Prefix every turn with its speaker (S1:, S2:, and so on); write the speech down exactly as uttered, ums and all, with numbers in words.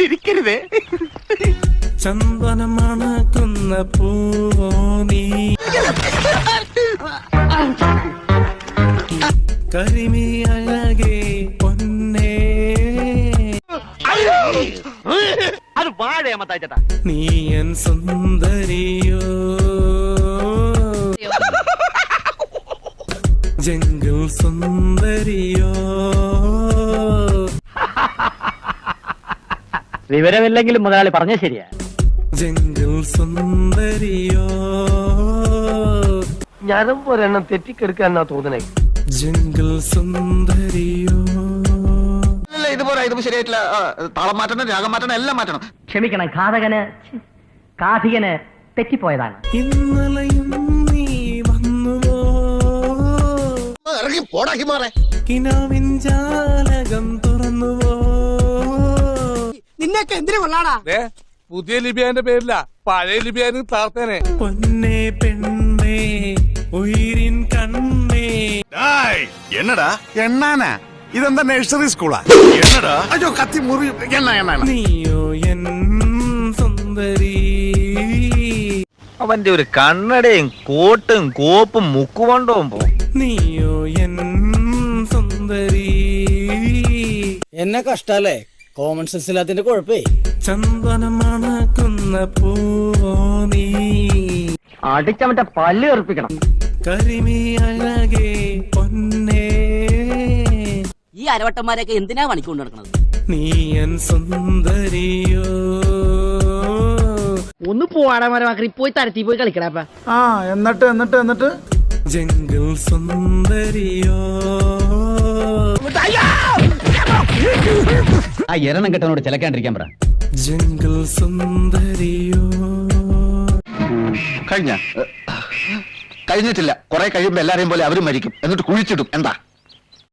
S1: ചിരിക്കരുതേ.
S2: ചന്ദനം മണക്കുന്ന പൂവോ നീ, കരിമി അഴകേ പൊന്നേ,
S1: അത് വാഴയമ്മത്താച്ചേട്ടാ.
S2: നീ എൻ സുന്ദരിയോ, ജംഗിൾ സുന്ദരിയോ.
S1: വിവരമില്ലെങ്കിലും മുതലാളി പറഞ്ഞ ശരിയാ.
S2: ജംഗിൾ സുന്ദരിയോ,
S3: ഞാനും ഒരെണ്ണം തെറ്റിക്കെടുക്കാന്നാ തോന്നണേ.
S2: ജംഗിൾ സുന്ദരിയോ.
S4: ഇതുപോലെ ഇത് ശരിയായിട്ടില്ല. താളം മാറ്റണം, രാഗം മാറ്റണം, എല്ലാം മാറ്റണം.
S5: ക്ഷമിക്കണം, ഘാതകന് കാഥികന് തെറ്റിപ്പോയതാണ്.
S2: ഇന്നലെയും നീ വന്നുവോ,
S4: ഇറങ്ങി പോടാക്കി മാറേ.
S2: കിനാവിൻ ജാലകം തുറന്നുവോ.
S6: നിന്നൊക്കെ എന്തിനു കൊള്ളാടാ?
S7: പുതിയ ലിബിയാന്റെ പേരില്ല, പഴയ ലിബിയാന് താർത്തേനെ.
S2: പൊന്നേ പെണ്ണേ ഉയിരിൻ കണ്ണേ.
S8: എന്നടാ എണ്ണാനാ? ഇതെന്താ നഴ്സറി സ്കൂളാ? എന്നടാ അയ്യോ കത്തി മുറി എണ്ണ എണ്ണ.
S2: നീയോ എൻ സുന്ദരി.
S9: അവന്റെ ഒരു കണ്ണടയും കോട്ടും കോപ്പും മുക്കുകൊണ്ടവും പോ.
S2: നീയോ എൻ സുന്ദരി.
S3: എന്നെ കഷ്ടല്ലേ, കോമൺ സെൻസ് ഇല്ലാത്തിന്റെ കുഴപ്പേ.
S2: ചന്ദനം മണക്കുന്ന പൂവോ നീ,
S5: അടിച്ചവന്റെ പല്ല് കറുപ്പിക്കണം.
S2: കരിമി അഴകേ പൊന്നേ,
S6: ഈ അരവട്ടന്മാരൊക്കെ എന്തിനാ പണിക്കൊണ്ട് നടക്കുന്നത്?
S2: നീ എൻ സുന്ദരിയോ.
S6: ഒന്ന് പോവാടാ മരമാക്കി, പോയി തരത്തി പോയി കളിക്കടാപ്പ.
S3: ആ എന്നിട്ട് എന്നിട്ട് എന്നിട്ട്
S2: ജംഗിൾ സുന്ദരിയോ.
S1: ആ എരണം കെട്ടനോട് ചിലക്കാണ്ടിരിക്കാൻ പറ.
S2: ജംഗിൾ സുന്ദരിയോ.
S4: കഴിഞ്ഞ കഴിഞ്ഞിട്ടില്ല. കുറെ കഴിയുമ്പോ എല്ലാരെയും പോലെ അവരും മരിക്കും, എന്നിട്ട് കുഴിച്ചിടും. എന്താ